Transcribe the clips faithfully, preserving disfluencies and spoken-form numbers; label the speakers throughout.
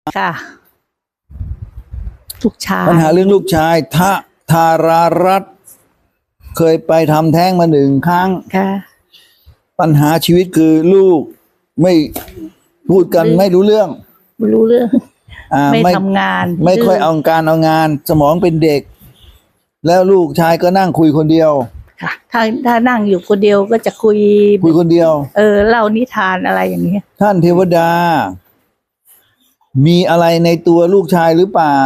Speaker 1: ค่ะลูกชาย
Speaker 2: ปัญหาเรื่องลูกชายทะธารารัตน์เคยไปทำแท้งมาหนึ่งครั้ง
Speaker 1: ค่ะ
Speaker 2: ปัญหาชีวิตคือลูกไม่พูดกันไม่รู้เรื่อง
Speaker 1: ไม่รู้เรื่อง
Speaker 2: อ่า
Speaker 1: ไม่ทำงาน
Speaker 2: ไม่ค่อยเอาการเอางานสมองเป็นเด็กแล้วลูกชายก็นั่งคุยคนเดียว
Speaker 1: ค่ะถ้าถ้านั่งอยู่คนเดียวก็จะคุย
Speaker 2: คุยคนเดียว
Speaker 1: เออเล่านิทานอะไรอย่างเงี้ย
Speaker 2: ท่านเทวดามีอะไรในตัวลูกชายหรือเปล่า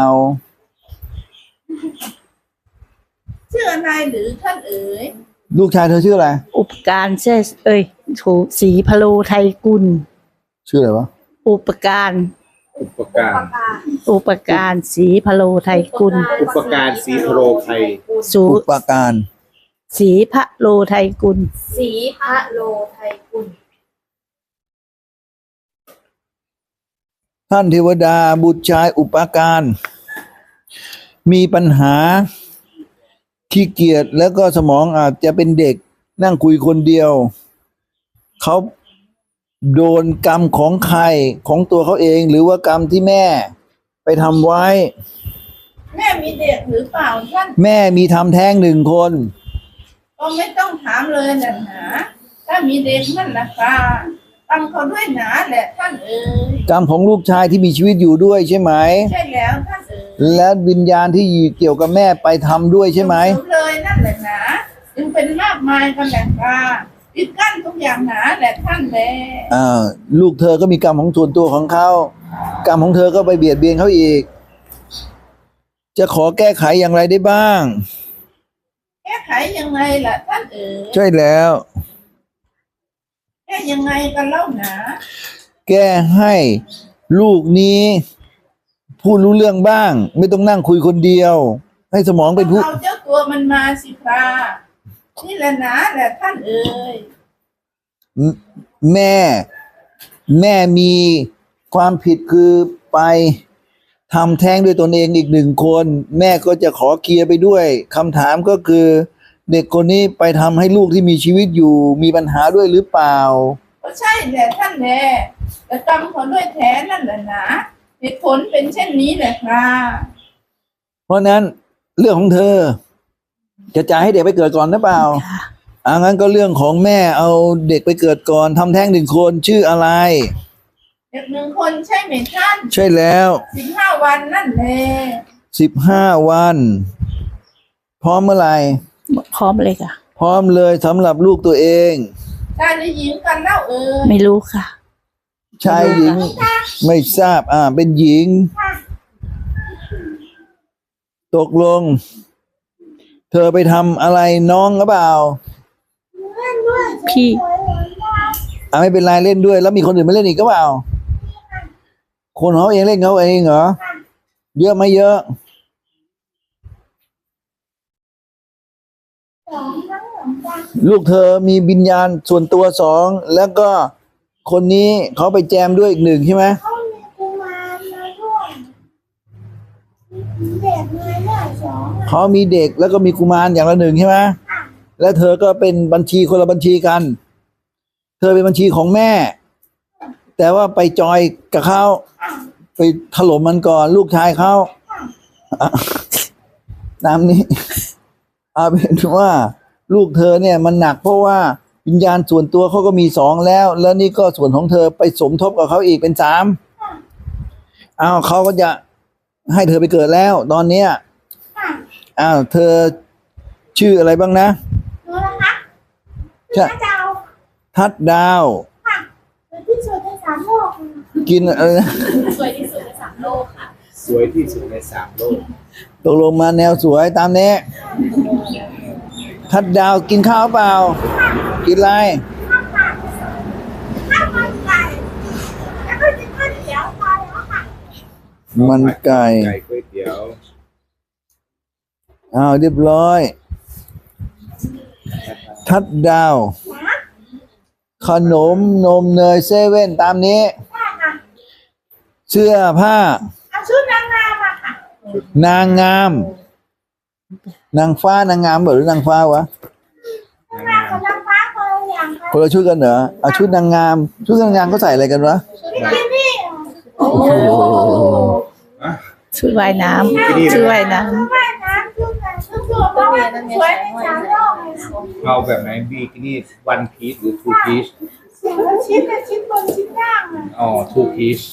Speaker 3: ชื่ออะไรหรือท่านเอ๋ย
Speaker 2: ลูกชายเธอชื่ออะไร
Speaker 1: อุปการเชสเอ้ยถูกศรีพโลไทยกุล
Speaker 2: ชื่ออะไรวะ
Speaker 1: อุปการ
Speaker 4: อุปการ
Speaker 1: อุปการศรีพโลไทยกุล
Speaker 4: อุปการศรีพโลไทย
Speaker 1: สู
Speaker 2: อุปการ
Speaker 1: ศรีพโลไทยกุล
Speaker 3: ศรีพะโลไทยกุล
Speaker 2: ท่านเทวดาบุตรชายอุปการมีปัญหาขี้เกียจแล้วก็สมองอาจจะเป็นเด็กนั่งคุยคนเดียวเขาโดนกรรมของใครของตัวเขาเองหรือว่ากรรมที่แม่ไปทำไว้
Speaker 3: แม่มีเด็กหรือเปล่าท่าน
Speaker 2: แม่มีทำแท้งหนึ่งคน
Speaker 3: ก็ไม่ต้องถามเลยนะหนาถ้ามีเด็กนั่นนะค่ะกรรมเขาด้วยหนาแหละท่านเอ๋ย
Speaker 2: กรรมของลูกชายที่มีชีวิตอยู่ด้วยใช่ไหม
Speaker 3: ใช่แล้วท่านเอ๋ย
Speaker 2: และวิญญาณที่เกี่ยวกับแม่ไปทำด้วยใช่ไหม
Speaker 3: เลยนั่นแหละหนาจึงเป็นมากมายกันแหละค่ะปิดกั้นทุกอย่างหนาแหละท่านแล
Speaker 2: อ่าลูกเธอก็มีกรรมของส่วนตัวของเขากรรมของเธอก็ไปเบียดเบียนเขาอีกจะขอแก้ไขอย่างไรได้บ้าง
Speaker 3: แก้ไขยังไงล่ะท่านเอ๋ย
Speaker 2: ใช่แล้ว
Speaker 3: แก้ยังไงกันเล่าหนา
Speaker 2: แก้ให้ลูกนี้พูดรู้เรื่องบ้างไม่ต้องนั่งคุยคนเดียวให้สมองเป็นผู้
Speaker 3: เอาเจ้าตัวมันมาสิครานี่แหละนะแหละท่านเอ๋ย
Speaker 2: แม่แม่มีความผิดคือไปทำแท้งด้วยตนเองอีกหนึ่งคนแม่ก็จะขอเคลียร์ไปด้วยคำถามก็คือเด็กคนนี้ไปทำให้ลูกที่มีชีวิตอยู่มีปัญหาด้วยหรือเปล่า
Speaker 3: ก็ใช่แหละท่านแน่แต่กรรมเขาด้วยแท้นั่นแหละนะเหตุผลเป็นเช่นนี้แหละครับ
Speaker 2: เพราะนั้นเรื่องของเธอจะจ่ายให้เด็กไปเกิดก่อนหรือเปล่าอ่างั้นก็เรื่องของแม่เอาเด็กไปเกิดก่อนทำแท้งหนึ่งคนชื่ออะไร
Speaker 3: เด็กหนึ่งคนใช่ไหมท่าน
Speaker 2: ใช่แล้ว
Speaker 3: สิบห้าวันนั่นแหละ
Speaker 2: สิบห้าวันพร้อมเมื่อไหร่
Speaker 1: พร้อมเลยค่ะ
Speaker 2: พร้อมเลยสำหรับลูกตัวเอง
Speaker 3: ชายหรือหญิงกันเล่าเออ
Speaker 1: ไม่รู้ค่ะ
Speaker 2: ชายหญิงไม่ทราบอ่าเป็นหญิงตกลงเธอไปทำอะไรน้องหรือเปล่า
Speaker 1: พี่
Speaker 2: อ่าไม่เป็นไรเล่นด้วยแล้วมีคนอื่นมาเล่นอีกก็เปล่าคนเขาเองเล่นเขาเองเหรอเยอะไหมเยอะลูกเธอมีวิญญาณส่วนตัวสองแล้วก็คนนี้เขาไปแจมด้วยอีกหนึ่งใช่ไหมเขามีกุมารมาด้วยเด็กมาด้วยสองเขามีเด็กแล้วก็มีกุมารอย่างละหนึ่งใช่ไหมแล้วเธอก็เป็นบัญชีคนละบัญชีกันเธอเป็นบัญชีของแม่แต่ว่าไปจอยกับเขาไปถล่มมันก่อนลูกชายเขาตามนี้เอาเป็นว่าลูกเธอเนี่ยมันหนักเพราะว่าวิญญาณส่วนตัวเขาก็มีสองแล้วแล้วนี่ก็ส่วนของเธอไปสมทบกับเขาอีกเป็นสามอ้าวเขาก็จะให้เธอไปเกิดแล้วตอนเนี้ยอ้าวเธอชื่ออะไรบ้างนะ
Speaker 3: รู้แล้วคะ
Speaker 2: ทัดดาวทัดดาว
Speaker 3: ค่ะสวยที่สุดในสามโลก
Speaker 2: กินอะไรนะ
Speaker 3: สวยที่สุดในสามโลกค่ะ
Speaker 4: สวยที่สุดในสามโลก
Speaker 2: ตกลงมาแนวสวยตามนี้ทัดดาวกินข้าวเปล่ากินอะไรมันไก่
Speaker 4: ไก่ก๋วยเตี๋ยว
Speaker 2: อ้าวเรียบร้อยทัดดาวขนมนมเนยเซเว่นตามนี้เสื้อผ้า
Speaker 3: ชุดนางงามอะค่ะ
Speaker 2: นางงามนางฟ้านางงามหรือนางฟ้าวะ
Speaker 3: นางงามกับนางฟ้าคนละอย่าง
Speaker 2: คนละชุดกันเหรอเอาชุดนางงามชุดนางงามเขาใส่อะไรกันวะ
Speaker 3: ชุดบิกินี่
Speaker 2: โอ้โห
Speaker 1: ชุดว่ายน้
Speaker 4: บิกินี่
Speaker 1: ำชุดว่ายน้
Speaker 3: ว่ายน้ำชุดแต่ชุดตัวเพราะว่ามันสวยในสามโลกเลยค่ะ
Speaker 4: เอาแบบไหนบิกินี่วันพีซหรือทูพีซ
Speaker 3: เสียงมันชิ้นเป็นชิ้นบนชิ้นล่างเลย
Speaker 4: อ๋อทูพีซ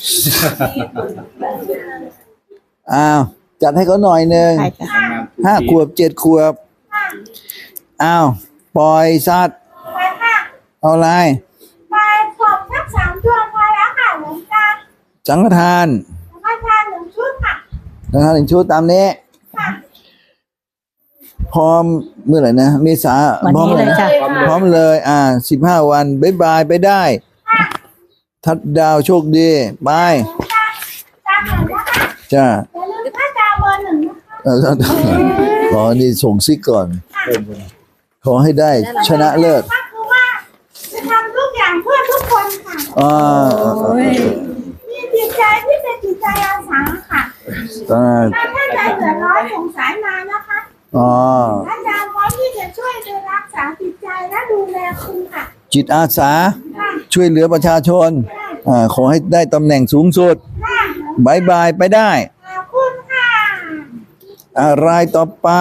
Speaker 2: อ้าวจัดให้เขาหน่อยหนึ่ง
Speaker 1: ำใช่จ้ะ
Speaker 2: ห้าขวบเจ็ดขวบ
Speaker 3: ค่ะ
Speaker 2: อ้าวปล่อยสัตว์
Speaker 3: ไปค่ะ
Speaker 2: เอาอะไร
Speaker 3: ไปขอบสักสามตัวพอแล้วค่ะหลวงตา
Speaker 2: สังฆทาน
Speaker 3: แล้วก็ทานหนึ่งชุดค่ะ
Speaker 2: สังฆทานหนึ่งชุดตามนี้
Speaker 3: ค่ะ
Speaker 2: พร้อมเมื่อไหร่นะเมษา
Speaker 1: วัน
Speaker 2: พร้อม
Speaker 1: นี้
Speaker 2: เล
Speaker 1: เลย ยจ้ะ
Speaker 2: พร้อมเลย อ่าสิบห้าวันบายบายไปได้ ทัดดาวโชคดีไป
Speaker 3: หลวงตาตามหน่อยนะคะ
Speaker 2: จ้า
Speaker 3: อย่าลืมถ้าดาวเบอร์หนึ่งนะคะ
Speaker 2: เออขอนี่ส่งซิกก่อน
Speaker 4: เพิ่มเลย
Speaker 2: ขอให้ได้ชนะเลิศ
Speaker 3: ก็คือว่าจะทำทุกอย่างเพื่อทุกคนค่ะ
Speaker 2: อ่า
Speaker 3: มีจิตใจที่เป็นจิตใจอาสาค่ะ
Speaker 2: อ่า
Speaker 3: ถ้าท่านใดเดือดร้อนสงสารมานะคะ
Speaker 2: อ่า
Speaker 3: ท่านดาวพร้อมที่จะช่วยดูรักษาจิตใจและดูแลคุณค่ะ
Speaker 2: จิตอาสา
Speaker 3: ค่ะ
Speaker 2: ช่วยเหลือประชาชน อ่า ขอให้ได้ตำแหน่งสูงสุด
Speaker 3: ค่ะ
Speaker 2: บายบายไปได้
Speaker 3: ขอบคุณค่ะ
Speaker 2: อะไรต่อไป